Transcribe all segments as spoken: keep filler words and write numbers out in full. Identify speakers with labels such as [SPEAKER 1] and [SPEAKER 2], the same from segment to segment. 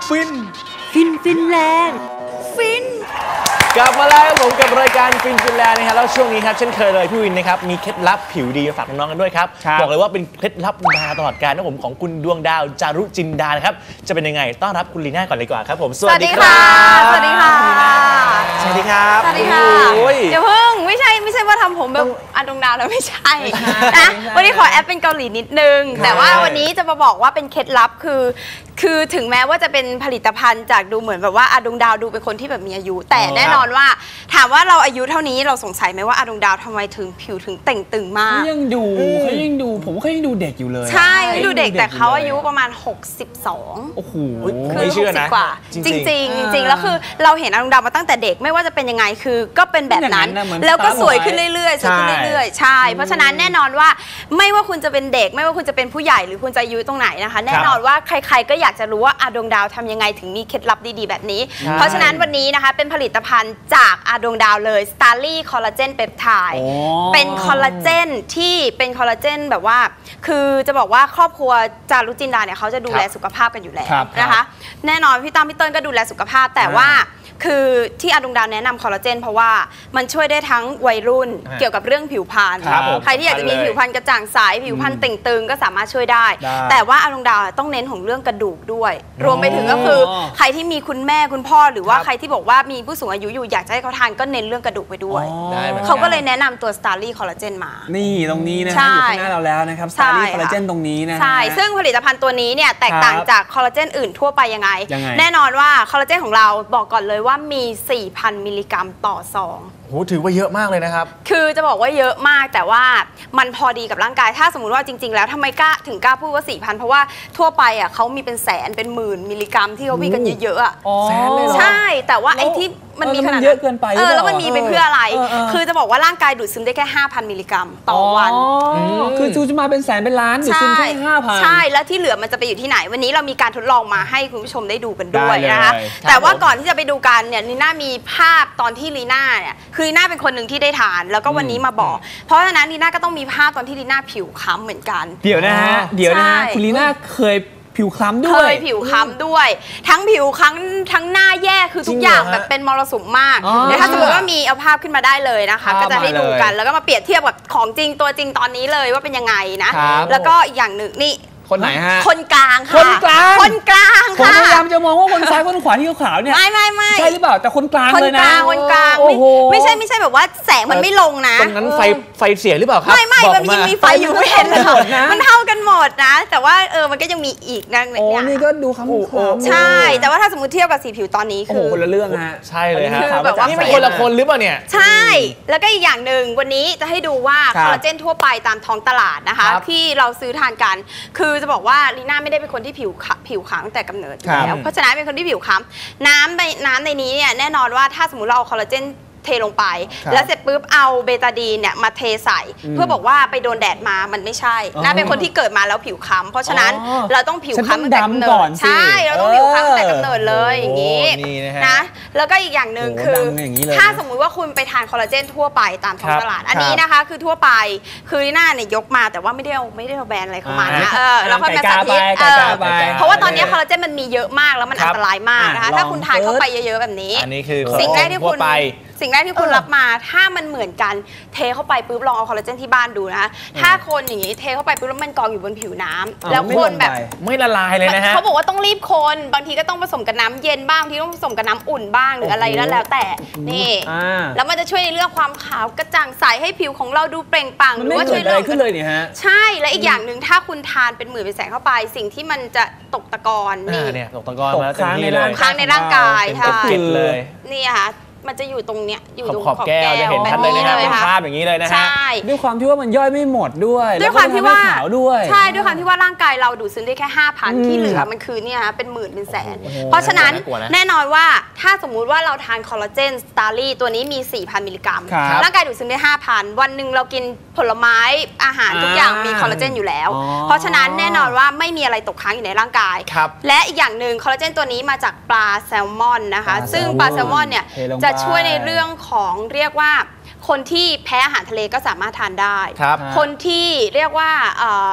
[SPEAKER 1] ฟิน
[SPEAKER 2] ฟินฟินแลนด์ฟิน
[SPEAKER 1] กลับมาแล้วผมกับรายการฟินฟินแลนด์นะครับแล้วช่วงนี้ครับเช่นเคยเลยพี่วินนะครับมีเคล็ดลับผิวดีมาฝากน้องๆกันด้วยครับบอกเลยว่าเป็นเคล็ดลับดาตลอดกาลนะผมของคุณดวงดาวจารุจินดานะครับจะเป็นยังไงต้อนรับคุณลีน่าก่อนเลยดีกว่าครับผม
[SPEAKER 2] สวัสดีค่ะสวัสดีค่ะ
[SPEAKER 1] สวัสดีครับ
[SPEAKER 2] สวัสดีค่ะเดี๋ยวเพิ่งไม่ใช่ไม่ใช่ว่าทำผมแบบอาดวงดาวแล้วไม่ใช่นะวันนี้ขอแอปเป็นเกาหลีนิดนึงแต่ว่าวันนี้จะมาบอกว่าเป็นเคล็ดลับคือคือถึงแม้ว่าจะเป็นผลิตภัณฑ์จากดูเหมือนแบบว่าอาดวงดาวดูเป็นคนที่แบบมีอายุแต่แน่นอนว่าถามว่าเราอายุเท่านี้เราสงสัยไหมว่าอาดวงดาวทำไมถึงผิวถึงเต่งตึงมาก
[SPEAKER 3] เขายังดูเขายังดูผมเขายังดูเด็กอยู่เลย
[SPEAKER 2] ใช่ดูเด็กแต่เขาอายุประมาณหกสิบสอง
[SPEAKER 3] โอ้โห
[SPEAKER 2] คือหกสิบกว่าจริงจริงจริงแล้วคือเราเห็นอาดวงดาวมาตั้งแต่เด็กไม่ว่าจะเป็นยังไงคือก็เป็นแบบนั้นแล้วก็สวยขึ้นเรื่อยๆสวยขึ้นเรื่อยๆใช่เพราะฉะนั้นแน่นอนว่าไม่ว่าคุณจะเป็นเด็กไม่ว่าคุณจะเป็นผู้ใหญ่หรือคุณจะอายุตรงไหนนะคะแน่นอนว่าใครๆก็อยากจะรู้ว่าอาดวงดาวทำยังไงถึงมีเคล็ดลับดีๆแบบนี้เพราะฉะนั้นวันนี้นะคะเป็นผลิตภัณฑ์จากอาดวงดาวเลย Starly Collagen Peptide เป็นคอลลาเจนที่เป็นคอลลาเจนแบบว่าคือจะบอกว่าครอบครัวจารุจินดาเนี่ยเขาจะดูแลสุขภาพกันอยู่แล้วนะคะแน่นอนพี่ตั้มพี่เติ้ลก็ดูแลสุขภาพแต่ว่าคือที่อาดวงดาวแนะนำคอลลาเจนเพราะว่ามันช่วยได้ทั้งวัยรุ่นเกี่ยวกับเรื่องผิวพรรณใครที่อยากจะมีผิวพรรณกระจ่างใสผิวพรรณเต่งตึงก็สามารถช่วยได้แต่ว่าอาดวงดาวต้องเน้นของเรื่องกระดูกด้วยรวมไปถึงก็คือใครที่มีคุณแม่คุณพ่อหรือว่าใครที่บอกว่ามีผู้สูงอายุอยู่อยากจะให้เขาทานก็เน้นเรื่องกระดูกไปด้วยเขาก็เลยแนะนำตัว Starly Collagen มา
[SPEAKER 3] นี่ตรงนี้นะอยู่ข้างหน้าเราแล้วนะครับ Starly Collagen ตรงนี้นะ
[SPEAKER 2] ใช่ซึ่งผลิตภัณฑ์ตัวนี้เนี่ยแตกต่างจากคอลลาเจนอื่นทั่วไปยังไงแน่นอนว่าคอลลาเจนของเราบอกก่อนเลยว่ามีสี่พันมิลลิกรัมต่อซอง
[SPEAKER 1] โหถือว่าเยอะมากเลยนะครับ
[SPEAKER 2] คือจะบอกว่าเยอะมากแต่ว่ามันพอดีกับร่างกายถ้าสมมุติว่าจริงๆแล้วทำไมกล้าถึงกล้าพูดว่า สี่พัน เพราะว่าทั่วไปอ่ะเขามีเป็นแสนเป็นหมื่นมิลลิกรัมที่เขาวิ่งกันเยอะๆอ่ะ
[SPEAKER 3] แสนเลยเหรอ
[SPEAKER 2] ใช่แต่ว่าไอ้ที่มันมีขนาด
[SPEAKER 3] เยอะเกินไป
[SPEAKER 2] เออแล้วมันมีไปเพื่ออะไรคือจะบอกว่าร่างกายดูดซึมได้แค่ ห้าพัน มิลลิกรัมต่อวัน
[SPEAKER 3] คือจูจะมาเป็นแสนเป็นล้านดูดซึมแค่ ห้าพัน
[SPEAKER 2] ใช่แล้วที่เหลือมันจะไปอยู่ที่ไหนวันนี้เรามีการทดลองมาให้คุณผู้ชมได้ดูกันด้วยนะคะแต่ว่าก่อนที่จะไปดูกันเนี่ยลีน่ามีภาพตอนที่ลีน่าเนี่ยคือลีน่าเป็นคนหนึ่งที่ได้ทานแล้วก็วันนี้มาบอกเพราะฉะนั้นลีน่าก็ต้องมีภาพตอนที่ลีน่าผิวค้ำเหมือนกัน
[SPEAKER 3] เดี๋ยวนะฮะเดี๋ยวนะฮะคุณลีน่าเคยผิวคล้ำด้วย
[SPEAKER 2] เคยผิวคล้ำด้วยทั้งผิวคล้ำทั้งหน้าแย่คือทุกอย่างแบบเป็นมรสุมมากเดี๋ยวถ้าสมมติว่ามีเอาภาพขึ้นมาได้เลยนะคะก็จะให้ดูกันแล้วก็มาเปรียบเทียบกับของจริงตัวจริงตอนนี้เลยว่าเป็นยังไงนะแล้วก็อีกอย่างหนึ่งนี่
[SPEAKER 3] คนไหนฮะ
[SPEAKER 2] คนกลางค่ะ
[SPEAKER 3] คนกลาง
[SPEAKER 2] คนกลาง
[SPEAKER 3] ค่ะผมพยายามจะมองว่าคนซ้ายคนขวาที่ขาวเนี่ย
[SPEAKER 2] ไม่ไม่ไม่
[SPEAKER 3] ใช่หรือเปล่าแต่คนกลางเลยนะ
[SPEAKER 2] คนกลางไม่ใช่ไม่ใช่แบบว่าแสงมันไม่ลงนะ
[SPEAKER 1] ตรงนั้นไฟไฟเสียหรือเปล่าครับ
[SPEAKER 2] ไม่ไม่มันยังมีไฟอยู่ไม่เห็นเลยมันเท่ากันหมดนะแต่ว่าเออมันก็ยังมีอีกนะ
[SPEAKER 3] โอ้นี่ก็ดูคำ
[SPEAKER 2] ใช่แต่ว่าถ้าสมมติเทียบกับสีผิวตอนนี้คือ
[SPEAKER 3] คนละเรื่องฮะ
[SPEAKER 1] ใช่เลยฮะแบบว่านี่เป็นคนละคนหรือเปล่าเนี่ย
[SPEAKER 2] ใช่แล้วก็อีกอย่างหนึ่งวันนี้จะให้ดูว่าคอลลาเจนทั่วไปตามท้องตลาดนะคะที่เราซื้อทานกันคือจะบอกว่าลีน่าไม่ได้เป็นคนที่ผิวผิวขาวตั้งแต่กำเนิดแล้วเพราะฉะนั้นเป็นคนที่ผิวค้ำน้ำในน้ำในนี้เนี่ยแน่นอนว่าถ้าสมมติเราเอาคอลลาเจนเทลงไปแล้วเสร็จปุ๊บเอาเบตาดีนเนี่ยมาเทใส่เพื่อบอกว่าไปโดนแดดมามันไม่ใช่น่าเป็นคนที่เกิดมาแล้วผิวค้ำเพราะฉะนั้นเราต้องผิวค้ำตั้งแต่กำเนิดใช่เราต้องผิวค้ำตั้งแต่กำเนิดเลยอย่างนี้นะแล้วก็อีกอย่างหนึ่งคือถ้าสมมุติว่าคุณไปทานคอลลาเจนทั่วไปตามท้องตลาดอันนี้นะคะคือทั่วไปคือลีน่าเนี่ยยกมาแต่ว่าไม่ได้เอาไม่ได้เอาแบรนด์อะไรเข้ามานะเออแล้วค่อยมาสาธิตเพราะว่าตอนนี้คอลลาเจนมันมีเยอะมากแล้วมันอันตรายมากนะคะถ้าคุณทานเข้าไปเยอะๆแบบนี้สิ่งแรกที่คุณสิ่งแรกที่คุณรับมาถ้ามันเหมือนกันเทเข้าไปปุ๊บลองเอาคอลลาเจนที่บ้านดูนะถ้าคนอย่างนี้เทเข้าไปปุ๊บแล้วมันกองอยู่บนผิวน้ำแล้วคนแบบ
[SPEAKER 1] ไม่ละลายเลยนะฮะ
[SPEAKER 2] เขาบอกว่าต้องรีบคนบางทีก็ต้องผสมกับน้ำเย็นบ้างบางทีต้องผสมกับน้ำอุ่นบ้างหรืออะไรแล้วแต่นี่แล้วมันจะช่วยในเรื่องความขาวกระจ่างใสให้ผิวของเราดูเปล่งปลั่ง
[SPEAKER 3] หรือว่าช่วยเรื่องขึ้นเลยเนี่ยฮะ
[SPEAKER 2] ใช่และอีกอย่างหนึ่งถ้าคุณทานเป็นหมื่นเป็นแสนเข้าไปสิ่งที่มันจะตกตะกอน
[SPEAKER 1] นี่ตกตะกอนมา
[SPEAKER 2] ค้างในร่างค้างในร่างกายใช่
[SPEAKER 1] เลย
[SPEAKER 2] นี่ค่ะมันจะอยู่ตรงเนี้ยอยู่ตรง
[SPEAKER 1] ขอบแก้วจะเห็นชัดเลยนะครับเป็นภาพอย่างนี้เลยนะฮะ
[SPEAKER 3] ด้วยความที่ว่ามันย่อยไม่หมดด้วย
[SPEAKER 2] ด้วยความที่ว่า
[SPEAKER 3] ขาวด้วย
[SPEAKER 2] ใช่ด้วยความที่ว่าร่างกายเราดูดซึมได้แค่ ห้าพัน ที่เหลือมันคือเนี่ยฮะเป็นหมื่นเป็นแสนเพราะฉะนั้นแน่นอนว่าถ้าสมมุติว่าเราทานคอลลาเจน Starly ตัวนี้มี สี่พัน มิลลิกรัมร่างกายดูดซึมได้ ห้าพัน วันหนึ่งเรากินผลไม้อาหารทุกอย่างมีคอลลาเจนอยู่แล้วเพราะฉะนั้นแน่นอนว่าไม่มีอะไรตกค้างอยู่ในร่างกายและอีกอย่างหนึ่งคอลลาเจนตัวนี้มาจากปลาแซลมอนนะคะซึ่งปลาแซลมอนเนี่ยจะช่วยในเรื่องของเรียกว่าคนที่แพ้อาหารทะเลก็สามารถทานได้ คนที่เรียกว่า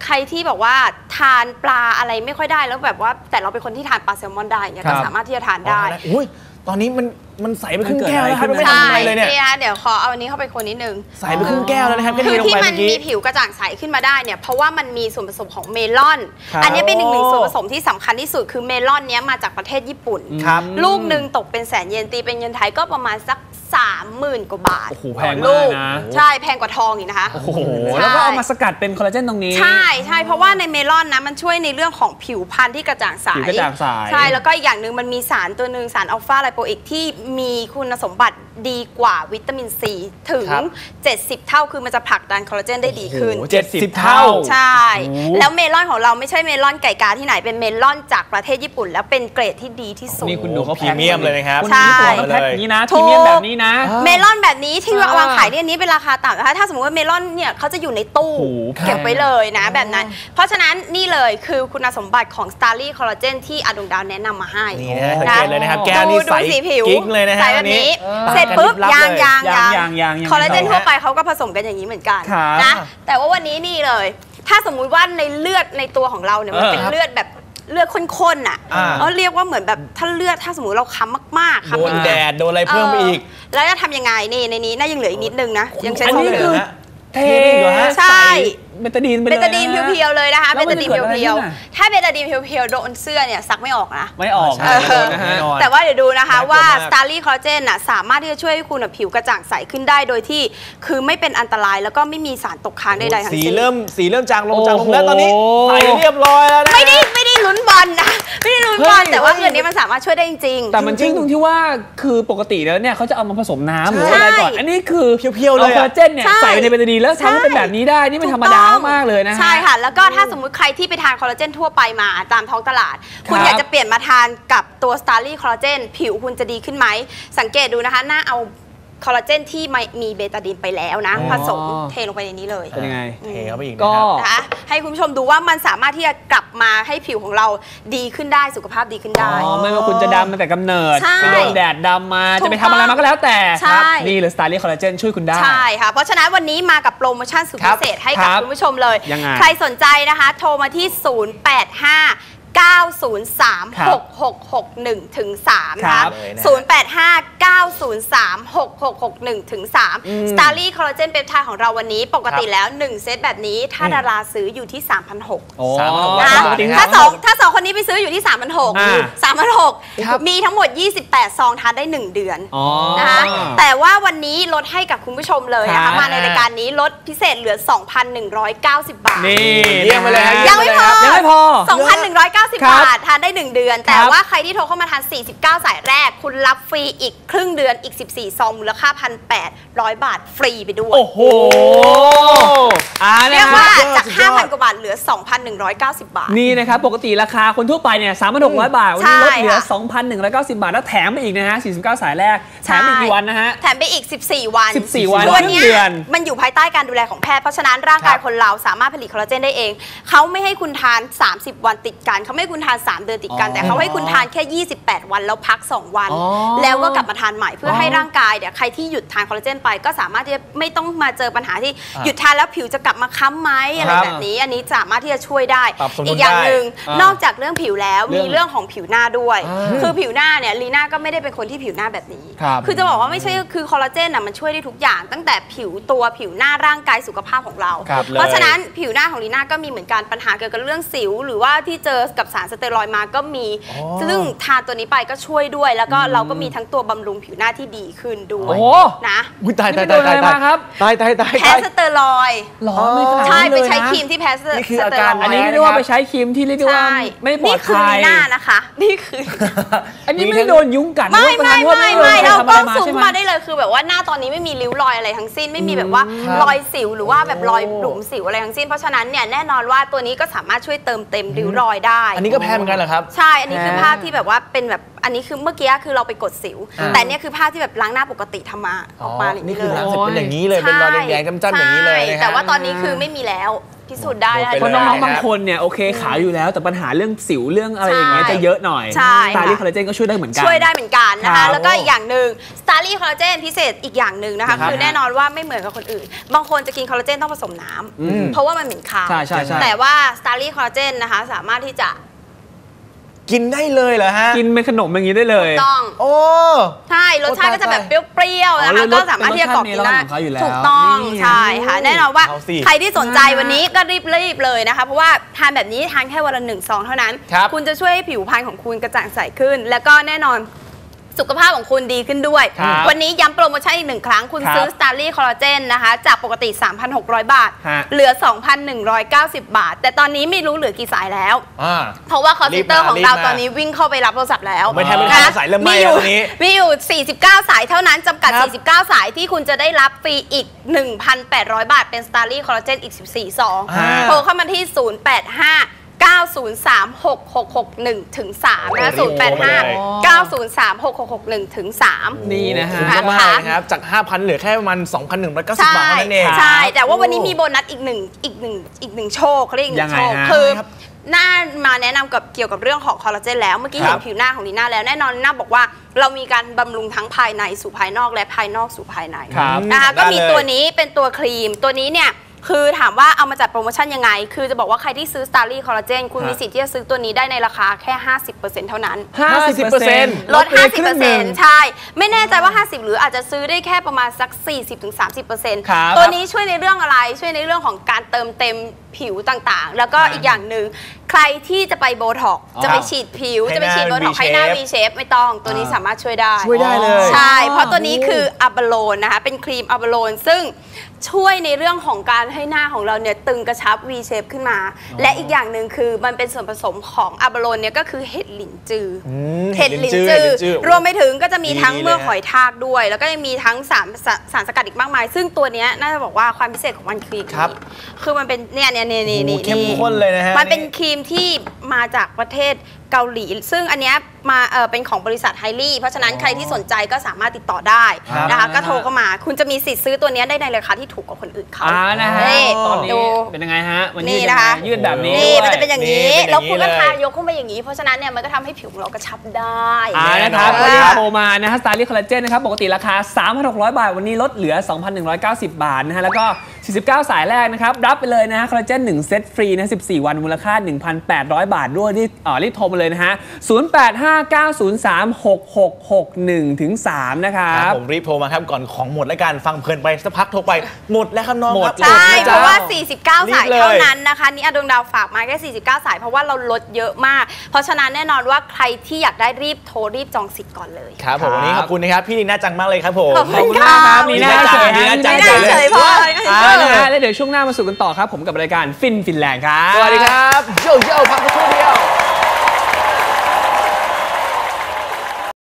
[SPEAKER 2] ใครที่แบบว่าทานปลาอะไรไม่ค่อยได้แล้วแบบว่าแต่เราเป็นคนที่ทานปลาแซลมอนได้เนี่ยก็สามารถที่จะทานได้
[SPEAKER 1] อุ้ยตอนนี้มันมันใสไปครึ่งแก้วแล้วครับไม่ทำอะไรเลยเนี่ย
[SPEAKER 2] นี่ฮะเดี๋ยวขอเอาอันนี้เข้าไปคนนิดนึง
[SPEAKER 1] ใสไปครึ่งแก้วแล้วนะครับ
[SPEAKER 2] คือที่มันมีผิวกระจ่างใสขึ้นมาได้เนี่ยเพราะว่ามันมีส่วนผสมของเมลอนอันนี้เป็นหนึ่งหนึ่งส่วนผสมที่สำคัญที่สุดคือเมลอนเนี้ยมาจากประเทศญี่ปุ่นลูกหนึ่งตกเป็นแสนเยนตีเป็นเงินไทยก็ประมาณสักสามหมื่นกว่าบาท
[SPEAKER 3] โอ้โหแพงมากนะ
[SPEAKER 2] ใช่แพงกว่าทองอีกนะคะ
[SPEAKER 3] โอ้โหแล้วก็เอามาสกัดเป็นคอลลาเจนตรงนี้
[SPEAKER 2] ใช่ใช่เพราะว่าในเมลอนนะมันช่วยในเรื่องของผิวพรรณที่กระจ่างใส
[SPEAKER 3] ผิวกระจ่างใส
[SPEAKER 2] ใช่แล้วก็อีกอย่างหนึ่งมันมีสารตัวหนึ่งสารอัลฟาไลโปอิกที่มีคุณสมบัติดีกว่าวิตามินซีถึงเจ็ดสิบเท่าคือมันจะผลักดันคอลลาเจนได้ดีขึ้น
[SPEAKER 3] เจ็ดสิบเท่า
[SPEAKER 2] ใช่แล้วเมลอนของเราไม่ใช่เมลอนไก่กาที่ไหนเป็นเมลอนจากประเทศญี่ปุ่นแล้วเป็นเกรดที่ดีที่สุด
[SPEAKER 3] นี่คุณดูเขา
[SPEAKER 1] พรีเมียมเลยนะครับ
[SPEAKER 3] ใช่แพ็คนี้นะพรีเมียมแบบนี้นะ
[SPEAKER 2] เมลอนแบบนี้ที่วางขายเนี่ยนี้เป็นราคาต่ำนะคะถ้าสมมติว่าเมลอนเนี่ยเขาจะอยู่ในตู้เก็บไว้เลยนะแบบนั้นเพราะฉะนั้นนี่เลยคือคุณสมบัติของ Starly Collagen ที่อดวงดาวแนะนำมาให้
[SPEAKER 1] นี่นะสังเกตเลยนะครับแก้วนี่ใสกิ๊กเลยนะฮะ
[SPEAKER 2] ใสแบบนี้เสร็จปุ๊บยางยางยางยางคอลลาเจนทั่วไปเขาก็ผสมกันอย่างนี้เหมือนกันนะแต่ว่าวันนี้นี่เลยถ้าสมมุติว่าในเลือดในตัวของเราเนี่ยมันเป็นเลือดแบบเลือดข้นๆอ่ะเขาเรียกว่าเหมือนแบบถ้าเลือดถ้าสมมติเราค้ำมากๆ
[SPEAKER 1] โดนแดดโดนอะไรเพิ่มอีก
[SPEAKER 2] แล้วจะทำยังไงนี่ในนี้น่ายังเหลืออีกนิดนึงนะยังใช้
[SPEAKER 3] อันนี้คือเท
[SPEAKER 2] ใช่
[SPEAKER 3] เบตาดีน
[SPEAKER 2] เบตาดีนเพียวๆเลยนะคะเบตาดีนเพียวๆถ้าเบตาดีนเพียวๆโดนเสื้อเนี่ยซักไม่ออกนะ
[SPEAKER 3] ไม่ออก
[SPEAKER 2] แต่ว่าเดี๋ยวดูนะคะว่า Starly Collagen น่ะสามารถที่จะช่วยให้คุณผิวกระจ่างใสขึ้นได้โดยที่คือไม่เป็นอันตรายแล้วก็ไม่มีสารตกค้างใดๆทั้งสิ้น
[SPEAKER 1] สีเริ่มสีเริ่มจางลงจางลงแล้วตอนนี้ใสเรียบร้อยแล้วนะ
[SPEAKER 2] ไม่ได้ไม่ได้ลุ้นบอลนะไม่ได้ลุ้นบอลแต่ว่าเรื่องนี้มันสามารถช่วยได้จริง
[SPEAKER 3] ๆแต่มันจริงตรงที่ว่าคือปกติแล้วเนี่ยเขาจะเอามาผสมน้ำหรืออะไรก่อนอันนี้คือเพียวๆเลยคอลลาเจนเนี่ยใส่ในเบตาดีนแล้วทำให้เป็นแบบนี้ได้นี่ไม่ธรรมดามากเลยนะ
[SPEAKER 2] ใช่ค่ะแล้วก็ถ้าสมมุติใครที่ไปทานคอลลาเจนทั่วไปมาตามท้องตลาดคุณอยากจะเปลี่ยนมาทานกับตัว Starly Collagen ผิวคุณจะดีขึ้นไหมสังเกตดูนะคะหน้าเอาคอลลาเจนที่มีเบตาดีนไปแล้วนะผสมเทลงไปในนี้เลย
[SPEAKER 3] เป็นยังไง
[SPEAKER 1] เทเข้าไปอีก
[SPEAKER 2] ก็นะคะให้คุณผู้ชมดูว่ามันสามารถที่จะกลับมาให้ผิวของเราดีขึ้นได้สุขภาพดีขึ้นได้
[SPEAKER 3] ไม่ว่าคุณจะดำมาแต่กำเนิดไปโดนแดดดำมาจะไปทำอะไรมาก็แล้วแต่นี่เลย Starly Collagen ช่วยคุณได้
[SPEAKER 2] ใช่ค่ะเพราะฉะนั้นวันนี้มากับโปรโมชั่นสุดพิเศษให้กับคุณผู้ชมเลยใครสนใจนะคะโทรมาที่ศูนย์ แปด ห้า เก้า ศูนย์ สาม หก หก หก หนึ่ง ถึง สาม นะคะศูนย์ แปด ห้า เก้า ศูนย์ สาม หก หก หก หนึ่ง ถึง สาม Starly Collagen เปปไทด์ของเราวันนี้ปกติแล้วหนึ่งเซตแบบนี้ถ้าดาราซื้ออยู่ที่ สามพันหกร้อย นะถ้าสองถ้าสองคนนี้ไปซื้ออยู่ที่ สามพันหกร้อย สามพันหกร้อย มีทั้งหมดยี่สิบแปดซองทานได้หนึ่งเดือนนะคะแต่ว่าวันนี้ลดให้กับคุณผู้ชมเลยนะคะมาในรายการนี้ลดพิเศษเหลือ สองพันหนึ่งร้อยเก้าสิบ บาท
[SPEAKER 3] นี่
[SPEAKER 1] เยี่ยมไปเลย
[SPEAKER 2] ยังไม่พอ
[SPEAKER 3] ยังไม่พอ
[SPEAKER 2] สองพันหนึ่งร้อยเก้าสิบ บาททานได้หนึ่งเดือนแต่ว่าใครที่โทรเข้ามาทานสี่สิบเก้าสายแรกคุณรับฟรีอีกครึ่งเดือนอีกสิบสี่ซองมูลค่า หนึ่งพันแปดร้อย บาทฟรีไปด้วย
[SPEAKER 3] โอ้โห
[SPEAKER 2] เรียกว่าจาก ห้าพัน กว่าบาทเหลือ สองพันหนึ่งร้อยเก้าสิบ บาท
[SPEAKER 3] นี่นะครับปกติราคาคนทั่วไปเนี่ย สามพันหกร้อย บาทวันนี้ลดเหลือ สองพันหนึ่งร้อยเก้าสิบ บาทแล้วแถมไปอีกนะฮะสี่สิบเก้าสายแรกแถมอีกกี่วันนะฮะ
[SPEAKER 2] แถมไปอีกสิบสี่วัน
[SPEAKER 3] สิบสี่วัน
[SPEAKER 2] ตัวเนี้ยมันอยู่ภายใต้การดูแลของแพทย์เพราะฉะนั้นร่างกายคนเราสามารถผลิตคอลลาเจนได้เองเขาไม่ให้คุณทานสามสิบวันติดกันเขาไม่ให้คุณทานสามเดือนติดกันแต่เขาให้คุณทานแค่ยี่สิบแปดวันแล้วพักสองวันแล้วก็กลับมาทานใหม่เพื่อให้ร่างกายเนี่ยใครที่หยุดทานคอลลาเจนไปก็สามารถที่จะไม่ต้องมาเจอปัญหาที่หยุดทานแล้วผิวจะกลับมาค้ำไหมอะไรแบบนี้อันนี้สามารถที่จะช่วยได้อีกอย่างหนึ่งนอกจากเรื่องผิวแล้วมีเรื่องของผิวหน้าด้วยคือผิวหน้าเนี่ยลีน่าก็ไม่ได้เป็นคนที่ผิวหน้าแบบนี้คือจะบอกว่าไม่ใช่คือคอลลาเจนอ่ะมันช่วยได้ทุกอย่างตั้งแต่ผิวตัวผิวหน้าร่างกายสุขภาพของเราเพราะฉะนั้นผิวหน้าของลีน่าก็มีเหมือนกันปัญหาเกี่ยวกับเรื่องสิวหรือว่าที่เจอกับสารสเตียรอยด์มาก็มีซึ่งทานตัวนี้ไปก็ช่วยด้วยแล้วก็เราก็มีทั้งตัวบำรุงผิวหน้าที่ดีขึ้นด้วยนะ
[SPEAKER 1] ตายตายตายตายตายครับตายตายตาย
[SPEAKER 2] แพ้สเตียรอยด์
[SPEAKER 3] หรอใ
[SPEAKER 2] ช่ไปใช้ครีมที่แพ้สเตียรอยด์
[SPEAKER 3] นี่คืออาการอันนี้เรียกว่าไปใช้ครีมที่เรียกว่าไม่ปลอดภัย
[SPEAKER 2] นี่คือหน้านะคะนี่คือ
[SPEAKER 3] อันนี้ไม่โดนยุงกัด
[SPEAKER 2] ไม่ไม่ไม่ไม่เราก็ซูมมาได้เลยคือแบบว่าหน้าตอนนี้ไม่มีริ้วรอยอะไรทั้งสิ้นไม่มีแบบว่ารอยสิวหรือว่าแบบรอยหลุมสิวอะไรทั้งสิ้นเพราะฉะนั้นเนี่ยแน่นอนว่าตัวนี้ก็สามารถช่วยเติมเต็มริ้วรอยได้
[SPEAKER 1] อันนี้ก็แพ้เหมือนกันเหรอครับ
[SPEAKER 2] ใช่อันนี้คือภาพที่แบบว่าเป็นแบบอันนี้คือเมื่อกี้คือเราไปกดสิวแต่เนี่ยคือภาพที่แบบล้างหน้าปกติทำมาออกมาอย่าง
[SPEAKER 1] นี้เลยนี่คือล้างเสร็จเป็นอย่างนี้เลยเป็นรอยแดงๆจ้ำๆอย่างนี้เลย
[SPEAKER 2] แต่ว่าตอนนี้คือไม่มีแล้วพิสูจน์ได้
[SPEAKER 3] เพราะน้องๆบางคนเนี่ยโอเคขาวอยู่แล้วแต่ปัญหาเรื่องสิวเรื่องอะไรอย่างเงี้ยจะเยอะหน่อย
[SPEAKER 2] ใช่
[SPEAKER 3] สตาร์ลี่คอลลาเจนก็ช่วยได้เหมือนกัน
[SPEAKER 2] ช่วยได้เหมือนกันนะคะแล้วก็อีกอย่างหนึ่งสตาร์ลี่คอลลาเจนพิเศษอีกอย่างหนึ่งนะคะคือแน่นอนว่าไม่เหมือนกับคนอื่นบางคนจะกินคอลลาเจนต้องผสมน้ำเพราะว่ามันเหม็นคาวแต่ว่าสตาร์ลี่คอลลาเจนนะคะสามารถที่จะ
[SPEAKER 1] กินได้เลยเหรอฮะ
[SPEAKER 3] กินเป็นขนมอย่างนี้ได้เลย
[SPEAKER 2] ถูกต้อง
[SPEAKER 1] โอ้
[SPEAKER 2] ใช่รสชาติก็จะแบบเปรี้ยวๆนะคะก็สามารถที่จะกรอบกินได้ถูกต้องใช่ค่ะแน่นอนว่าใครที่สนใจวันนี้ก็รีบๆเลยนะคะเพราะว่าทานแบบนี้ทานแค่วันละหนึ่งซองเท่านั้นคุณจะช่วยให้ผิวพรรณของคุณกระจ่างใสขึ้นแล้วก็แน่นอนสุขภาพของคุณดีขึ้นด้วยวันนี้ย้ำโปรโมชั่นอีกหนึ่งครั้งคุณซื้อ Starly Collagen นะคะจากปกติ สามพันหกร้อย บาทเหลือ สองพันหนึ่งร้อยเก้าสิบ บาทแต่ตอนนี้ไม่รู้เหลือกี่สายแล้วเพราะว่าคอลเซ็นเตอร์ของเราตอนนี้วิ่งเข้าไปรับโทรศัพท์แล้ว
[SPEAKER 1] ไม่แทบไม่ทันสายเริ่มไหม้แล้วนี้
[SPEAKER 2] มีอยู่สี่สิบเก้าสายเท่านั้นจำกัดสี่สิบเก้าสายที่คุณจะได้รับฟรีอีก หนึ่งพันแปดร้อย บาทเป็น Starly Collagen อีกสิบสี่ซองโทรเข้ามาที่ศูนย์ แปด ห้า เก้า ศูนย์ สาม หก หก หก หนึ่ง ถึง สามนะคะ ศูนย์ แปด ห้า เก้า ศูนย์ สาม หก หก หก หนึ่ง ถึง สาม
[SPEAKER 3] นี่นะฮะ
[SPEAKER 1] มากนะครับจาก ห้าพัน เหลือแค่ประมาณ สองพันหนึ่งร้อยเก้าสิบ บาทเท่านั้นเอง
[SPEAKER 2] ใช่แต่ว่าวันนี้มีโบนัสอีกหนึ่งอีกหนึ่งอีกหนึ่งโชคเขาเรียกอีกหนึ่งโชคคือหน้ามาแนะนำกับเกี่ยวกับเรื่องของคอลลาเจนแล้วเมื่อกี้เห็นผิวหน้าของลีน่าแล้วแน่นอนลีน่าบอกว่าเรามีการบำรุงทั้งภายในสู่ภายนอกและภายนอกสู่ภายในนะคะก็มีตัวนี้เป็นตัวครีมตัวนี้เนี่ยคือถามว่าเอามาจัดโปรโมชั่นยังไงคือจะบอกว่าใครที่ซื้อ Starly Collagen คุณมีสิทธิ์ที่จะซื้อตัวนี้ได้ในราคาแค่ ห้าสิบเปอร์เซ็นต์ เท่านั้น
[SPEAKER 3] ห้าสิบเปอร์เซ็นต์
[SPEAKER 2] ลด ห้าสิบเปอร์เซ็นต์ ใช่ไม่แน่ใจว่า ห้าสิบ หรืออาจจะซื้อได้แค่ประมาณสัก สี่สิบถึงสามสิบเปอร์เซ็นต์ ตัวนี้ช่วยในเรื่องอะไรช่วยในเรื่องของการเติมเต็มผิวต่างๆแล้วก็อีกอย่างหนึ่งใครที่จะไปโบท็อกจะไปฉีดผิวจะไปฉีดโบท็อกให้หน้า V shape ไม่ต้องตัวนี้สามารถช่วยได้
[SPEAKER 1] ช่วยได้เลย
[SPEAKER 2] ใช่เพราะตัวนี้คืออะบาโลนนะคะเป็นครีมอะบาโลนซึ่งช่วยในเรื่องของการให้หน้าของเราเนี่ยตึงกระชับ V shape ขึ้นมาและอีกอย่างหนึ่งคือมันเป็นส่วนผสมของอะบาโลนเนี่ยก็คือเห็ดหลินจือเห็ดหลินจือรวมไปถึงก็จะมีทั้งเมือกหอยทากด้วยแล้วก็ยังมีทั้งสารสารสกัดอีกมากมายซึ่งตัวนี้น่าจะบอกว่าความพิเศษของมันคือคือมันเป็นเนี่ยเนี่ยเนี่ยนี่
[SPEAKER 1] เข้มข้นเลยนะฮะ
[SPEAKER 2] มันเป็นครีมที่มาจากประเทศเกาหลีซึ่งอันนี้มาเออเป็นของบริษัทไฮลี่เพราะฉะนั้นใครที่สนใจก็สามารถติดต่อได้นะคะก็โทรเข้ามาคุณจะมีสิทธิ์ซื้อตัวนี้ได้ในราคาที่ถูกกว่าคนอื่นเขา
[SPEAKER 3] อ่านะฮะตอนนี้เป็นยังไงฮะวันนี้
[SPEAKER 2] นะคะ
[SPEAKER 3] ยืดแบบนี้
[SPEAKER 2] นี่มันจะเป็นอย่างนี้แล้วคุณก็ทายกขึ้นไปอย่างนี้เพราะฉะนั้นเนี่ยมันก็ทำให้ผิวของเรากระชับได้
[SPEAKER 3] อ่านะครับวันนี้โทรมานะฮะ Starly Collagen นะครับปกติราคา สามพันหกร้อย บาทวันนี้ลดเหลือ สองพันหนึ่งร้อยเก้าสิบ บาทนะฮะแล้วก็สี่สิบเก้าสายแรกนะครับรับไปเลยนะฮะคอลลาเจนหนึ่งเซตฟรีนะสิบสี่วันมูลค่า หนึ่งพันแปดร้อย บาทด้วยรีบอ่ารีบโทรมาเลยนะฮะศูนย์ แปด ห้า เก้า ศูนย์ สาม หก หก หก หนึ่ง ถึง สามนะครับ
[SPEAKER 1] ผมรีบโทรมาครับก่อนของหมดและการฟังเพลินไปสักพักโทรไปหมดแล้วครับน้อง
[SPEAKER 2] ครับใช่เพราะว่าสี่สิบเก้าสายเท่านั้นนะคะนี่อดวงดาวฝากมาแค่สี่สิบเก้าสายเพราะว่าเราลดเยอะมากเพราะฉะนั้นแน่นอนว่าใครที่อยากได้รีบโทรรีบจองสิทธิ์ก่อนเลย
[SPEAKER 1] ครับผมวันนี้ขอบคุณนะครับพี่ลีน่าจังมากเลยครับผม
[SPEAKER 2] ขอบคุณครับ
[SPEAKER 3] ลีน่าจังลีน่าจัง
[SPEAKER 2] เฉยเพราะอะไร
[SPEAKER 3] แล้วเดี๋ยวช่วงหน้ามาสู่กันต่อครับผมกับรายการฟินฟินแลนด์ครับ
[SPEAKER 1] สวัสดีครับโยโย่พัก